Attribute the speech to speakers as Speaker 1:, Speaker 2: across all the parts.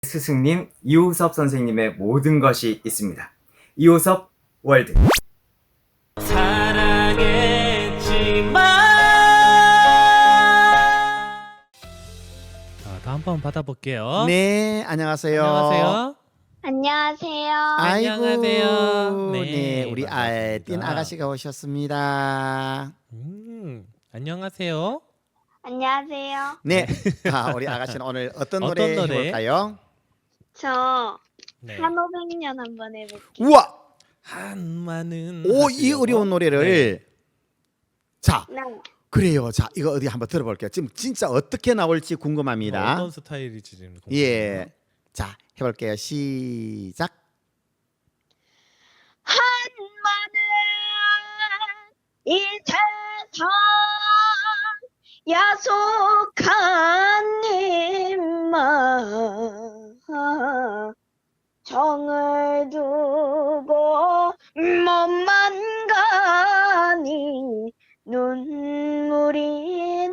Speaker 1: 스승님 이호섭 선생님의 모든 것이 있습니다. 이호섭 월드.
Speaker 2: 다음 번 받아볼게요.
Speaker 3: 네, 안녕하세요.
Speaker 2: 안녕하세요.
Speaker 4: 안녕하세요.
Speaker 3: 아이고,
Speaker 2: 안녕하세요.
Speaker 3: 네,
Speaker 2: 네,
Speaker 3: 우리
Speaker 2: 반갑습니다.
Speaker 3: 띵 아가씨가 오셨습니다.
Speaker 2: 안녕하세요.
Speaker 4: 안녕하세요.
Speaker 3: 네, 우리 아가씨는 오늘 어떤
Speaker 2: 어떤
Speaker 3: 노래
Speaker 2: 노래?
Speaker 3: 해볼까요?
Speaker 4: 저
Speaker 2: 네.
Speaker 4: 한오백년 한번 해볼게요.
Speaker 3: 우와,
Speaker 2: 한마는
Speaker 3: 이 어려운 노래를 자,
Speaker 4: 네.
Speaker 3: 그래요. 자, 이거 어디 한번 들어볼게요. 지금 진짜 어떻게 나올지 궁금합니다.
Speaker 2: 어떤 스타일이지 지금?
Speaker 3: 예, 자, 해볼게요. 시작.
Speaker 4: 한마는 이 세상 야속한 님만 정을 두고 몸만 가니 눈물이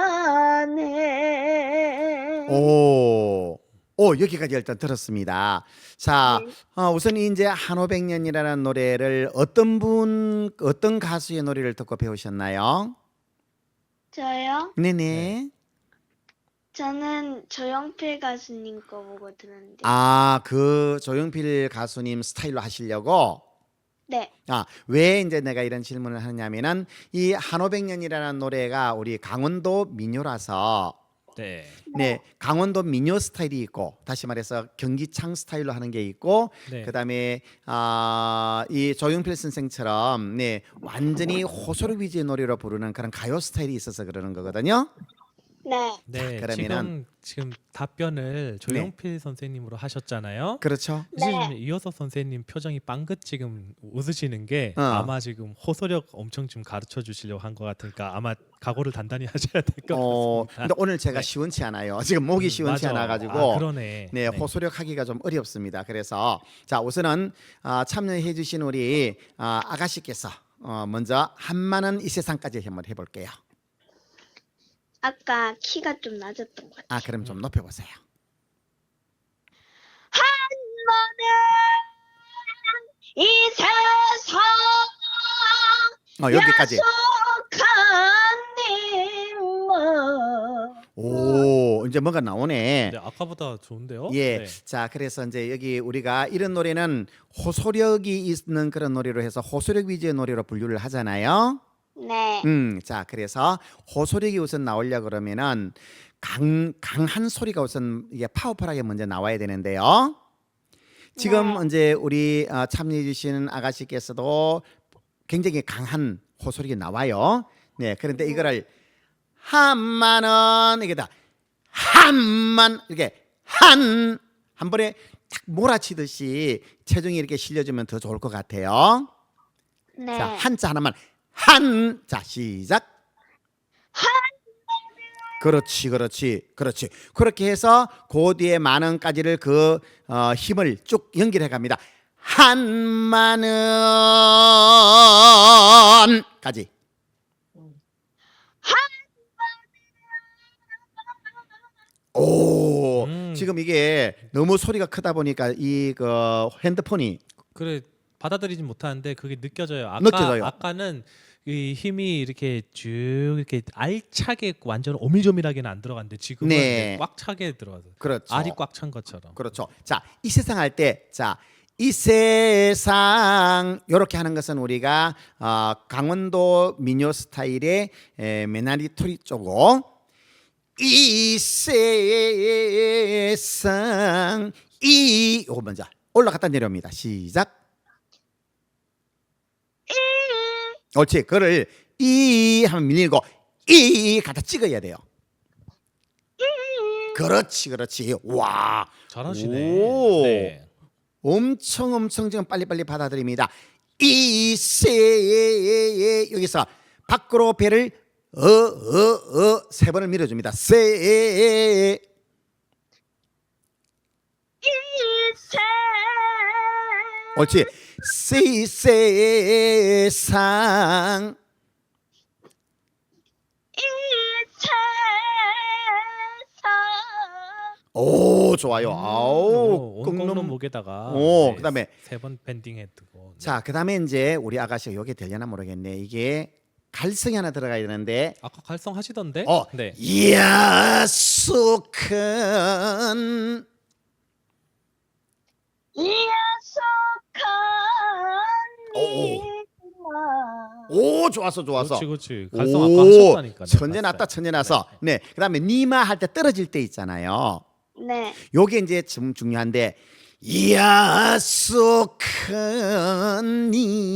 Speaker 4: 나네.
Speaker 3: 오, 여기까지 일단 들었습니다. 자,
Speaker 4: 네.
Speaker 3: 우선 이제 한오백년이라는 노래를 어떤 가수의 노래를 듣고 배우셨나요?
Speaker 4: 저요?
Speaker 3: 네네.
Speaker 4: 저는 조용필 가수님 거 보고 들었는데.
Speaker 3: 그 조용필 가수님 스타일로 하시려고?
Speaker 4: 네.
Speaker 3: 왜 이제 내가 이런 질문을 하냐면은 이 한오백년이라는 노래가 우리 강원도 민요라서
Speaker 2: 네.
Speaker 3: 네, 강원도 민요 스타일이 있고 다시 말해서 경기창 스타일로 하는 게 있고
Speaker 2: 네.
Speaker 3: 그다음에 이 조용필 선생처럼 네, 완전히 호소력 위주의 노래로 부르는 그런 가요 스타일이 있어서 그러는 거거든요.
Speaker 4: 네.
Speaker 2: 네.
Speaker 3: 그러면은-
Speaker 2: 지금 답변을 조용필 선생님으로 하셨잖아요.
Speaker 3: 그렇죠.
Speaker 2: 지금 이호섭 선생님 표정이 빵긋 지금 웃으시는 게 아마 지금 호소력 엄청 좀 가르쳐 주시려고 한 것 같으니까 아마 각오를 단단히 하셔야 될 것 같습니다.
Speaker 3: 근데 오늘 제가
Speaker 2: 네.
Speaker 3: 시원치 않아요. 지금 목이 시원치
Speaker 2: 맞아.
Speaker 3: 않아 가지고
Speaker 2: 그러네.
Speaker 3: 네, 호소력 하기가 좀 어렵습니다. 그래서 자, 우선은 참여해 주신 우리 아가씨께서 먼저 한마는 이 세상까지 한번 해 볼게요.
Speaker 4: 아까 키가 좀 낮았던 것 같아요.
Speaker 3: 그럼 좀 높여 보세요.
Speaker 4: 한마는 이 세상
Speaker 3: 여기까지.
Speaker 4: 야속한 님만.
Speaker 3: 이제 뭔가 나오네.
Speaker 2: 네, 아까보다 좋은데요?
Speaker 3: 예.
Speaker 2: 네.
Speaker 3: 자, 그래서 이제 여기 우리가 이런 노래는 호소력이 있는 그런 노래로 해서 호소력 위주의 노래로 분류를 하잖아요.
Speaker 4: 네.
Speaker 3: 자, 그래서 호소력이 우선 나오려 그러면은 강한 소리가 우선 이게 파워풀하게 먼저 나와야 되는데요. 지금
Speaker 4: 네.
Speaker 3: 이제 우리 참여해 주시는 아가씨께서도 굉장히 강한 호소력이 나와요. 네, 그런데 이거를 한마는 이게다 한만 이렇게 한 번에 딱 몰아치듯이 체중이 이렇게 실려주면 더 좋을 것 같아요.
Speaker 4: 네.
Speaker 3: 자, 한자 하나만 자, 시작. 그렇지. 그렇게 해서 그 뒤에 만원까지를 그 힘을 쭉 연결해 갑니다. 한만원까지. 지금 이게 너무 소리가 크다 보니까 이 핸드폰이
Speaker 2: 그래 받아들이진 못하는데 그게 느껴져요.
Speaker 3: 느껴져요.
Speaker 2: 아까는 이 힘이 이렇게 쭉 이렇게 알차게 완전 오밀조밀하게는 안 들어갔는데 지금은
Speaker 3: 네.
Speaker 2: 꽉 차게 들어가서
Speaker 3: 그렇죠.
Speaker 2: 알이 꽉 찬 것처럼.
Speaker 3: 그렇죠. 자, 이 세상 할 때, 자, 이 세상 이렇게 하는 것은 우리가 강원도 민요 스타일의 메나리 토리 쪼고 이 세상 이거 먼저 올라갔다 내려옵니다. 시작. 옳지. 그를 이 하면 밀리고 이 갖다 찍어야 돼요. 그렇지. 와.
Speaker 2: 잘하시네.
Speaker 3: 오.
Speaker 2: 네.
Speaker 3: 엄청 지금 빨리빨리 받아들입니다. 이세 여기서 밖으로 배를 세 번을 밀어줍니다. 세
Speaker 4: 이세
Speaker 3: 옳지. 세상
Speaker 4: 이 세상
Speaker 3: 오, 좋아요. 아우,
Speaker 2: 꽁놈
Speaker 3: 꽁놈.
Speaker 2: 목에다가
Speaker 3: 오, 그다음에
Speaker 2: 3번 밴딩 해두고.
Speaker 3: 자, 그다음에 이제 우리 아가씨가 요게 되려나 모르겠네. 이게 갈성이 하나 들어가야 되는데
Speaker 2: 아까 갈성 하시던데? 네.
Speaker 3: 야속한
Speaker 4: 야속한
Speaker 3: 오, 좋았어.
Speaker 2: 그렇지. 갈성 아까 하셨다니까.
Speaker 3: 천재 났다, 천재 나서. 네. 그다음에 니마 할 때 떨어질 때 있잖아요.
Speaker 4: 네.
Speaker 3: 요게 이제 좀 중요한데 야속한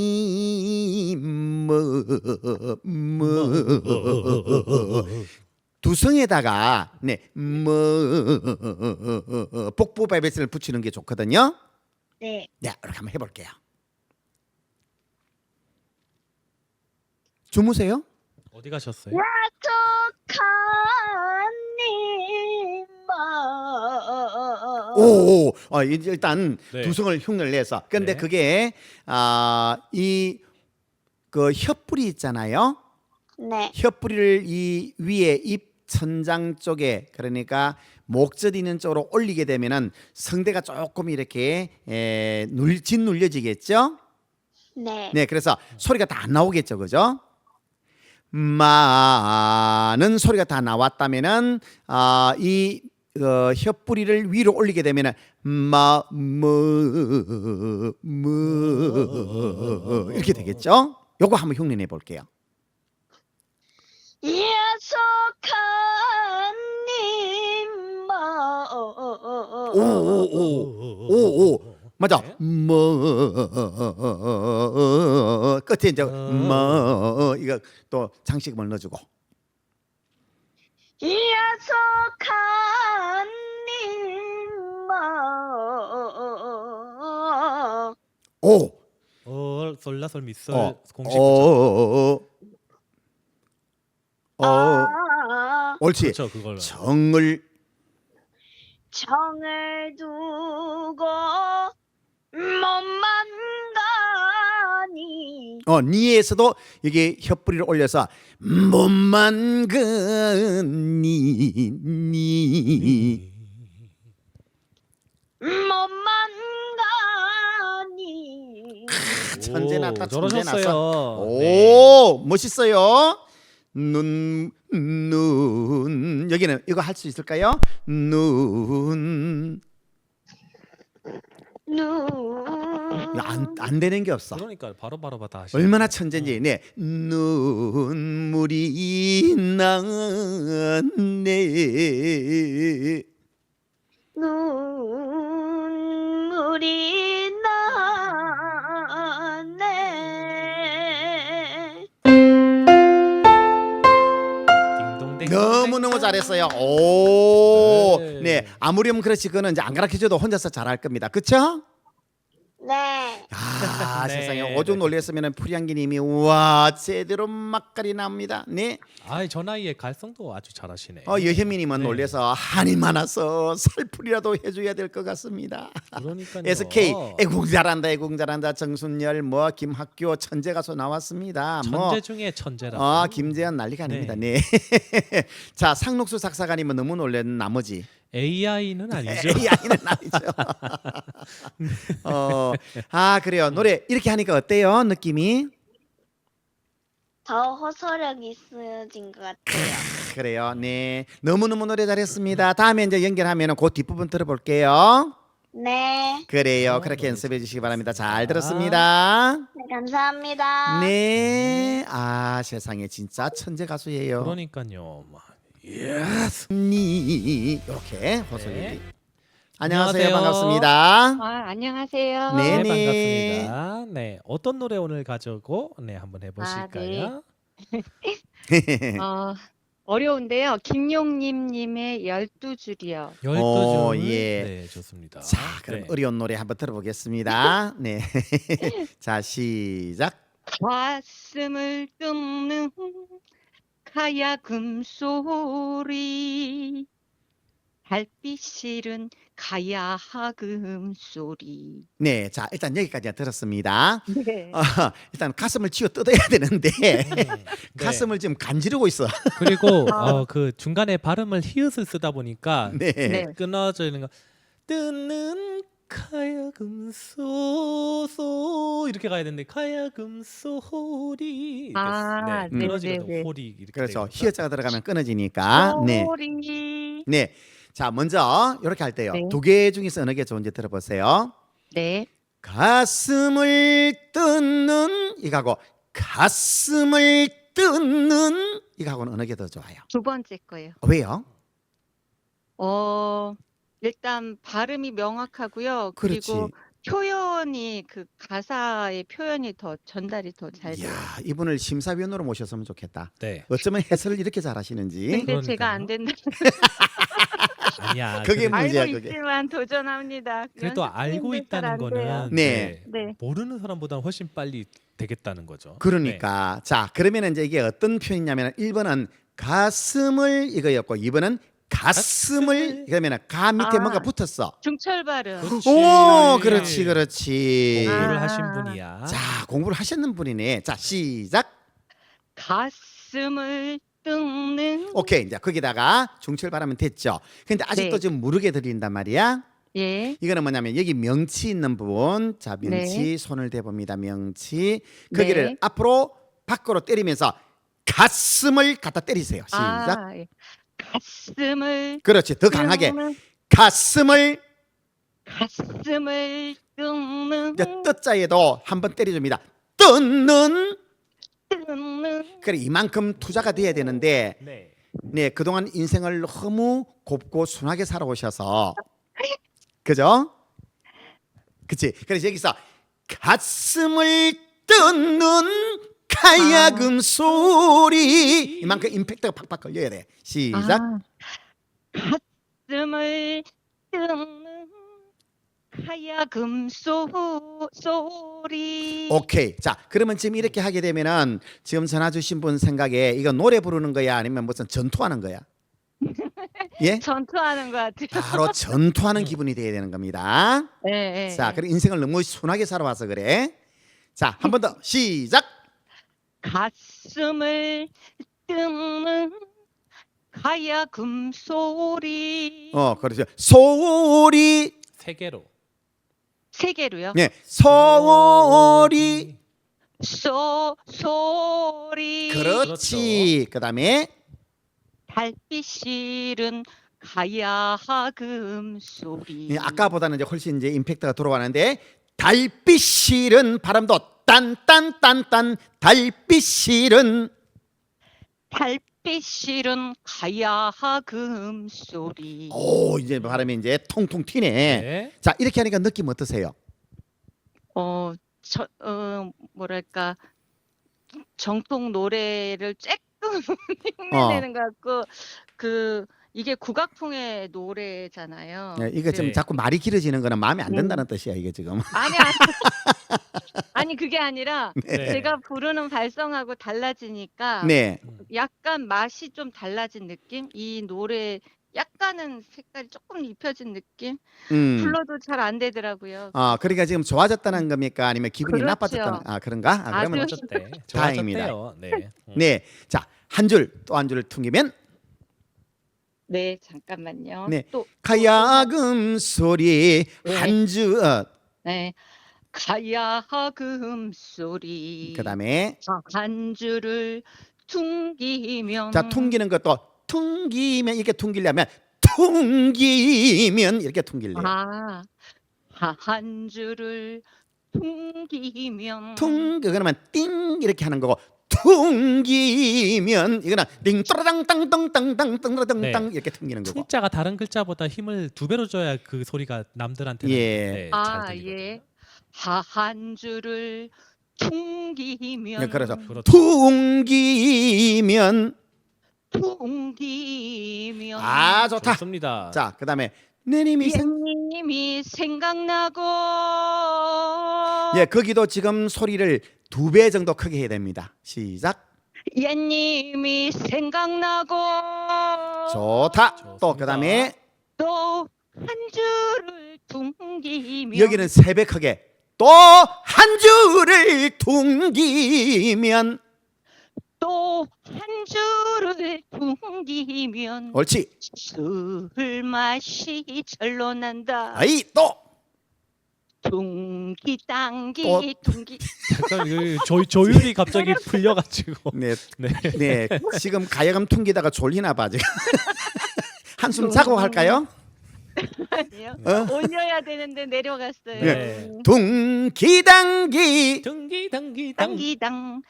Speaker 3: 두성에다가 복부 바이브레이션을 붙이는 게 좋거든요.
Speaker 4: 네.
Speaker 3: 네, 이렇게 한번 해볼게요. 주무세요?
Speaker 2: 어디 가셨어요?
Speaker 4: 야속한
Speaker 3: 오, 일단
Speaker 2: 네.
Speaker 3: 두성을 흉내를 내서. 근데
Speaker 2: 네.
Speaker 3: 그게 이 그 혀뿌리 있잖아요.
Speaker 4: 네.
Speaker 3: 혀뿌리를 이 위에 입 천장 쪽에 그러니까 목젖 있는 쪽으로 올리게 되면은 성대가 조금 이렇게 짓눌려지겠죠.
Speaker 4: 네.
Speaker 3: 네, 그래서 소리가 다 안 나오겠죠, 그죠? 마는 소리가 다 나왔다면은 이 혀뿌리를 위로 올리게 되면은 이렇게 되겠죠? 요거 한번 흉내내 볼게요.
Speaker 4: 야속한
Speaker 3: 오, 맞아.
Speaker 2: 네.
Speaker 3: 끝에 이제 이거 또 장식음을 넣어주고.
Speaker 4: 야속한
Speaker 3: 오,
Speaker 2: 솔라솔 미솔 공식
Speaker 3: 옳지.
Speaker 2: 그렇죠, 그걸.
Speaker 3: 정을
Speaker 4: 정을 두고 몸만 가니
Speaker 3: 니에서도 이게 혀뿌리를 올려서 몸만 그니
Speaker 4: 몸만 가니
Speaker 3: 천재 났다, 천재 났어.
Speaker 2: 저러셨어요.
Speaker 3: 오, 멋있어요. 눈 여기는 이거 할 수 있을까요? 눈 안 되는 게 없어.
Speaker 2: 그러니까 바로 다 하시.
Speaker 3: 얼마나 천재인지. 네, 눈물이 나네.
Speaker 4: 눈물이 나네
Speaker 2: 딩동댕.
Speaker 3: 너무너무 잘했어요. 오,
Speaker 2: 네.
Speaker 3: 네, 아무렴 그렇지 그거는 이제 안 가르쳐줘도 혼자서 잘할 겁니다. 그쵸?
Speaker 4: 네.
Speaker 3: 아,
Speaker 2: 네.
Speaker 3: 세상에 오죽 놀랬으면 풀향기님이 와 제대로 맛깔이 납니다. 네,
Speaker 2: 아이 저 나이에 갈성도 아주 잘하시네.
Speaker 3: 여현미님은
Speaker 2: 네.
Speaker 3: 놀래서 한이 많아서 살풀이라도 해줘야 될 것 같습니다.
Speaker 2: 그러니까요.
Speaker 3: SK 애국 잘한다. 정순열 뭐 김학교 천재 가수 나왔습니다.
Speaker 2: 천재 중에 천재라.
Speaker 3: 김재현 난리가 아닙니다.
Speaker 2: 네.
Speaker 3: 네. 자, 상록수 작사가님은 너무 놀란 나머지
Speaker 2: AI는 아니죠.
Speaker 3: AI는 아니죠. 그래요. 노래 이렇게 하니까 어때요? 느낌이?
Speaker 4: 더 호소력 있어진 것 같아요.
Speaker 3: 그래요. 네. 너무너무 노래 잘했습니다. 다음에 이제 연결하면 그 뒷부분 들어볼게요.
Speaker 4: 네.
Speaker 3: 그래요. 그렇게 연습해 주시기 바랍니다. 잘 들었습니다.
Speaker 4: 네, 감사합니다.
Speaker 3: 네. 세상에 진짜 천재 가수예요.
Speaker 2: 그러니까요.
Speaker 3: 이렇게 호소리.
Speaker 2: 네.
Speaker 3: 안녕하세요.
Speaker 2: 안녕하세요.
Speaker 3: 반갑습니다.
Speaker 5: 안녕하세요.
Speaker 3: 네.
Speaker 2: 네, 반갑습니다. 네, 어떤 노래 오늘 가져오고 한번 해보실까요?
Speaker 5: 어려운데요. 김용님님의 12줄이요.
Speaker 2: 12줄.
Speaker 3: 예.
Speaker 2: 네, 좋습니다.
Speaker 3: 자, 그럼
Speaker 2: 네.
Speaker 3: 어려운 노래 한번 들어보겠습니다. 네. 자, 시작.
Speaker 5: 가슴을 뜯는 가야금 소리 달빛 실은 가야 하금 소리.
Speaker 3: 네, 자 일단 여기까지 들었습니다.
Speaker 5: 네.
Speaker 3: 일단 가슴을 쥐어 뜯어야 되는데
Speaker 2: 네.
Speaker 3: 가슴을 지금 간지르고 있어.
Speaker 2: 그리고 그 중간에 발음을 히읗을 쓰다 보니까
Speaker 3: 네.
Speaker 5: 네.
Speaker 2: 끊어져 있는 거 뜨는 가야금 소소 이렇게 가야 되는데 가야금 소리 이렇게
Speaker 5: 아,
Speaker 2: 네, 끊어지거든요.
Speaker 5: 네.
Speaker 2: 호리 이렇게
Speaker 3: 그렇죠.
Speaker 2: 되거든요.
Speaker 3: 히읗자가 들어가면 끊어지니까. 네.
Speaker 5: 소리.
Speaker 3: 네. 자, 먼저 이렇게 할 때요.
Speaker 5: 네.
Speaker 3: 두 개 중에서 어느 게 좋은지 들어보세요.
Speaker 5: 네.
Speaker 3: 가슴을 뜯는 이거하고 가슴을 뜯는 이거하고는 어느 게 더 좋아요?
Speaker 5: 두 번째 거예요.
Speaker 3: 왜요?
Speaker 5: 일단 발음이 명확하고요.
Speaker 3: 그렇지.
Speaker 5: 그리고 표현이 그 가사의 표현이 더 전달이 더 잘 돼요.
Speaker 3: 이야, 이분을 심사위원으로 모셨으면 좋겠다.
Speaker 2: 네.
Speaker 3: 어쩌면 해설을 이렇게 잘하시는지.
Speaker 5: 근데 제가 안
Speaker 2: 그러니까요.
Speaker 5: 된다.
Speaker 2: 아니야.
Speaker 3: 그게
Speaker 2: 그래도-
Speaker 3: 문제야,
Speaker 5: 알고
Speaker 3: 그게.
Speaker 5: 있지만 도전합니다.
Speaker 2: 그래도 알고
Speaker 5: 연습생들 잘안
Speaker 2: 있다는
Speaker 5: 돼요.
Speaker 2: 거는
Speaker 3: 네.
Speaker 5: 네.
Speaker 2: 모르는 사람보다는 훨씬 빨리 되겠다는 거죠.
Speaker 3: 그러니까 자, 그러면 이제 이게 어떤 표현이냐면 1번은 가슴을 이거였고 2번은 가슴을 그러면 가 밑에
Speaker 5: 아.
Speaker 3: 뭔가 붙었어.
Speaker 5: 중철 발음.
Speaker 2: 그렇지.
Speaker 3: 오, 그렇지, 그렇지.
Speaker 2: 공부를
Speaker 5: 아.
Speaker 2: 하신 분이야.
Speaker 3: 자, 공부를 하셨는 분이네. 자, 시작.
Speaker 5: 가슴을 뜯는.
Speaker 3: 오케이, 이제 거기다가 중철발하면 됐죠. 근데 아직도
Speaker 5: 네.
Speaker 3: 좀 무르게 들린단 말이야.
Speaker 5: 예.
Speaker 3: 이거는 뭐냐면 여기 명치 있는 부분, 자 명치
Speaker 5: 네.
Speaker 3: 손을 대봅니다. 명치 거기를
Speaker 5: 네.
Speaker 3: 앞으로 밖으로 때리면서 가슴을 갖다 때리세요. 시작.
Speaker 5: 아, 예. 가슴을
Speaker 3: 그렇지, 더 강하게
Speaker 5: 뜯는,
Speaker 3: 가슴을
Speaker 5: 가슴을 뜯는
Speaker 3: 이제 뜻자에도 한번 때려줍니다. 뜯는.
Speaker 5: 뜯는.
Speaker 3: 그래, 이만큼 투자가 돼야 되는데
Speaker 2: 네.
Speaker 3: 네, 그동안 인생을 너무 곱고 순하게 살아오셔서 그죠? 그치? 그래서 여기서 가슴을 뜯는 가야금 소리 이만큼 임팩트가 팍팍 걸려야 돼. 시작.
Speaker 5: 아, 가슴을 뜯는 하야금 소리.
Speaker 3: 오케이. 자, 그러면 지금 이렇게 하게 되면은 지금 전화 주신 분 생각에 이거 노래 부르는 거야 아니면 무슨 전투하는 거야? 예?
Speaker 5: 전투하는 것 같아요.
Speaker 3: 바로 전투하는 기분이 돼야 되는 겁니다.
Speaker 5: 예, 예,
Speaker 3: 자,
Speaker 5: 예.
Speaker 3: 그래 인생을 너무 순하게 살아와서 그래. 자, 한 번 더 시작.
Speaker 5: 가슴을 뜯는 하야금 소리.
Speaker 3: 그렇죠. 소리.
Speaker 2: 세 개로.
Speaker 5: 세 개로요.
Speaker 3: 네, 소리.
Speaker 5: 소리.
Speaker 3: 그렇지. 그다음에
Speaker 5: 달빛 실은 가야금 소리.
Speaker 3: 예, 아까보다는 이제 훨씬 이제 임팩트가 들어가는데 달빛 실은 바람도 딴딴딴딴 달빛 실은
Speaker 5: 달빛 실은 가야금 소리.
Speaker 3: 오, 이제 바람이 이제 통통 튀네.
Speaker 2: 네.
Speaker 3: 자, 이렇게 하니까 느낌 어떠세요?
Speaker 5: 뭐랄까 정통 노래를 쬐끔 흉내내는 것 같고 이게 국악풍의 노래잖아요.
Speaker 3: 예, 이거 좀
Speaker 2: 네.
Speaker 3: 자꾸 말이 길어지는 거는 마음에 안 든다는 뜻이야, 이게 지금.
Speaker 5: 아니 아니 그게 아니라
Speaker 2: 네.
Speaker 5: 제가 부르는 발성하고 달라지니까
Speaker 3: 네.
Speaker 5: 약간 맛이 좀 달라진 느낌? 이 노래 약간은 색깔이 조금 입혀진 느낌? 불러도 잘 안 되더라고요.
Speaker 3: 그러니까 지금 좋아졌다는 겁니까? 아니면 기분이
Speaker 5: 그렇죠.
Speaker 3: 나빠졌다는? 그런가? 그러면
Speaker 5: 아주
Speaker 2: 좋았대.
Speaker 3: 다행입니다.
Speaker 2: 좋아졌대요. 네.
Speaker 3: 네. 자, 한 줄 또 한 줄을 퉁기면
Speaker 5: 네, 잠깐만요.
Speaker 3: 네.
Speaker 5: 또
Speaker 3: 가야금 소리
Speaker 5: 네.
Speaker 3: 한 줄.
Speaker 5: 네. 가야금 소리.
Speaker 3: 그다음에
Speaker 5: 한 줄을 퉁기면
Speaker 3: 자, 퉁기는 것도 퉁기면 이렇게 퉁기려면 퉁기면 이렇게 퉁길래요.
Speaker 5: 한 줄을 퉁기면
Speaker 3: 그러면 띵 이렇게 하는 거고 퉁기면 이거는 띵 또라당 땅땅땅땅땅땅땅
Speaker 2: 네.
Speaker 3: 이렇게 퉁기는 거고.
Speaker 2: 퉁자가 다른 글자보다 힘을 2배로 줘야 그 소리가 남들한테는
Speaker 3: 예.
Speaker 2: 네, 잘 들리거든요.
Speaker 5: 예. 한 줄을 퉁기면
Speaker 3: 네, 그렇죠.
Speaker 2: 그렇죠.
Speaker 3: 퉁기면 좋다.
Speaker 2: 좋습니다.
Speaker 3: 자, 그다음에 내님이
Speaker 5: 옛님이 생각나고
Speaker 3: 예, 거기도 지금 소리를 2배 정도 크게 해야 됩니다. 시작.
Speaker 5: 옛님이 생각나고
Speaker 3: 좋다. 또
Speaker 2: 좋습니다.
Speaker 3: 그다음에
Speaker 5: 또 한 줄을 둥기면
Speaker 3: 여기는 새벽하게 또 한 줄을 둥기면
Speaker 5: 또 한 줄을 둥기면
Speaker 3: 옳지.
Speaker 5: 술 맛이 절로 난다.
Speaker 3: 아이 또
Speaker 5: 둥기 당기
Speaker 3: 또.
Speaker 5: 둥기.
Speaker 2: 약간 조율이 갑자기 풀려가지고.
Speaker 3: 네,
Speaker 2: 네.
Speaker 3: 네. 지금 가야금 퉁기다가 졸리나 봐 지금. 한숨 자고 할까요?
Speaker 5: 아니요.
Speaker 3: 어?
Speaker 5: 올려야 되는데 내려갔어요.
Speaker 2: 네.
Speaker 3: 둥기당기
Speaker 2: 둥기당기당.
Speaker 5: 당기당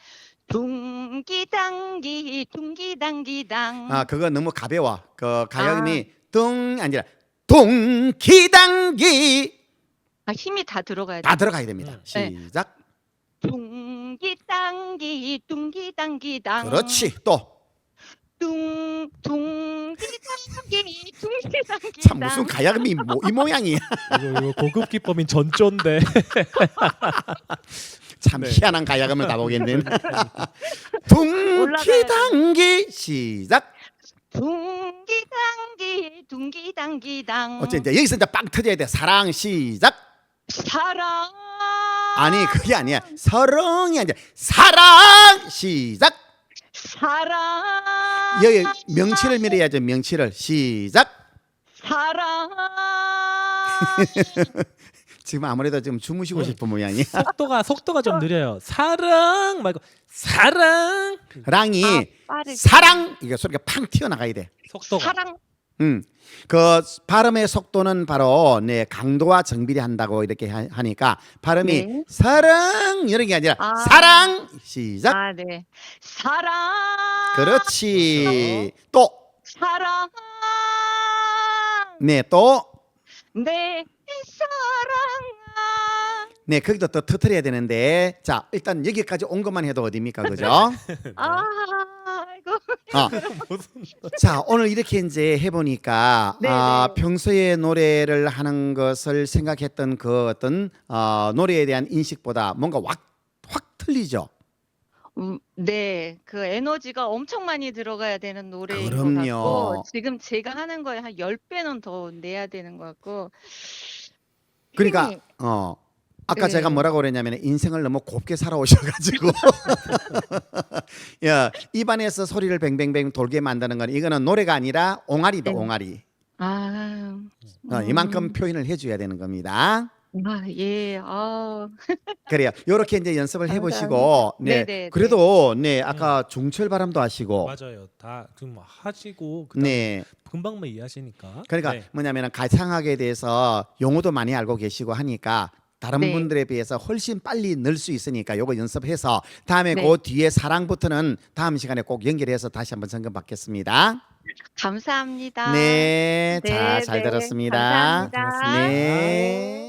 Speaker 5: 둥기당기 둥기당기당.
Speaker 3: 아 그거 너무 가벼워. 그 가야금이 둥 아니라 둥기당기
Speaker 5: 아, 힘이 다 들어가야 돼.
Speaker 3: 다 들어가야 됩니다.
Speaker 5: 네.
Speaker 3: 시작.
Speaker 5: 둥기당기 둥기당기당.
Speaker 3: 그렇지. 또
Speaker 5: 둥기당기 둥기당기당.
Speaker 3: 참 무슨 가야금이 이 모양이야.
Speaker 2: 이거 고급 기법인 전조인데.
Speaker 3: 참
Speaker 2: 네.
Speaker 3: 희한한 가야금을 가보겠네. 둥기당기 시작.
Speaker 5: 둥기당기 둥기당기당.
Speaker 3: 어째 이제 여기서 이제 빵 터져야 돼. 사랑 시작.
Speaker 5: 사랑.
Speaker 3: 아니 그게 아니야. 서렁이 아니야. 사랑 시작.
Speaker 5: 사랑.
Speaker 3: 여기 명치를 밀어야죠. 명치를 시작.
Speaker 5: 사랑.
Speaker 3: 지금 아무래도 좀 주무시고 싶은 모양이야.
Speaker 2: 속도가 좀 느려요. 사랑 말고 사랑.
Speaker 3: 랑이
Speaker 5: 빠르게.
Speaker 3: 사랑 이게 소리가 팡 튀어나가야 돼.
Speaker 2: 속도가.
Speaker 5: 사랑.
Speaker 3: 그 발음의 속도는 바로 네 강도와 정비례 한다고 이렇게 하니까 발음이
Speaker 5: 네.
Speaker 3: 사랑 이런 게 아니라
Speaker 5: 아.
Speaker 3: 사랑 시작.
Speaker 5: 아, 네. 사랑.
Speaker 3: 그렇지. 또
Speaker 5: 사랑.
Speaker 3: 네, 또
Speaker 5: 내 사랑아.
Speaker 3: 네, 거기도 또 터트려야 되는데 자 일단 여기까지 온 것만 해도 어딥니까, 그죠?
Speaker 5: 아이고.
Speaker 3: 자 오늘 이렇게 이제 해보니까
Speaker 5: 네, 네.
Speaker 3: 평소에 노래를 하는 것을 생각했던 그 어떤 노래에 대한 인식보다 뭔가 확 틀리죠.
Speaker 5: 네, 그 에너지가 엄청 많이 들어가야 되는 노래인 것
Speaker 3: 그럼요.
Speaker 5: 같고 지금 제가 하는 거에 한 10배는 더 내야 되는 것 같고
Speaker 3: 그러니까
Speaker 5: 힘이-
Speaker 3: 아까
Speaker 5: 네.
Speaker 3: 제가 뭐라고 그랬냐면 인생을 너무 곱게 살아오셔가지고 야, 입안에서 소리를 뱅뱅뱅 돌게 만드는 건 이거는 노래가 아니라 옹알이다
Speaker 5: 네.
Speaker 3: 옹알이.
Speaker 5: 아,
Speaker 3: 이만큼 표현을 해줘야 되는 겁니다.
Speaker 5: 예,
Speaker 3: 그래요. 요렇게 이제 연습을 해보시고, 네.
Speaker 5: 네네,
Speaker 3: 그래도 네 아까 중철 바람도 하시고,
Speaker 2: 맞아요. 다 좀 하시고 그다음에
Speaker 3: 네.
Speaker 2: 금방만 이해하시니까.
Speaker 3: 그러니까
Speaker 2: 네.
Speaker 3: 뭐냐면은 가창학에 대해서 용어도 많이 알고 계시고 하니까 다른
Speaker 5: 네.
Speaker 3: 분들에 비해서 훨씬 빨리 늘 수 있으니까 요거 연습해서 다음에
Speaker 5: 네.
Speaker 3: 그 뒤에 사랑부터는 다음 시간에 꼭 연결해서 다시 한번 점검 받겠습니다.
Speaker 5: 감사합니다.
Speaker 3: 네, 자,
Speaker 5: 네,
Speaker 3: 잘
Speaker 5: 네.
Speaker 3: 들었습니다.
Speaker 5: 감사합니다.
Speaker 3: 네.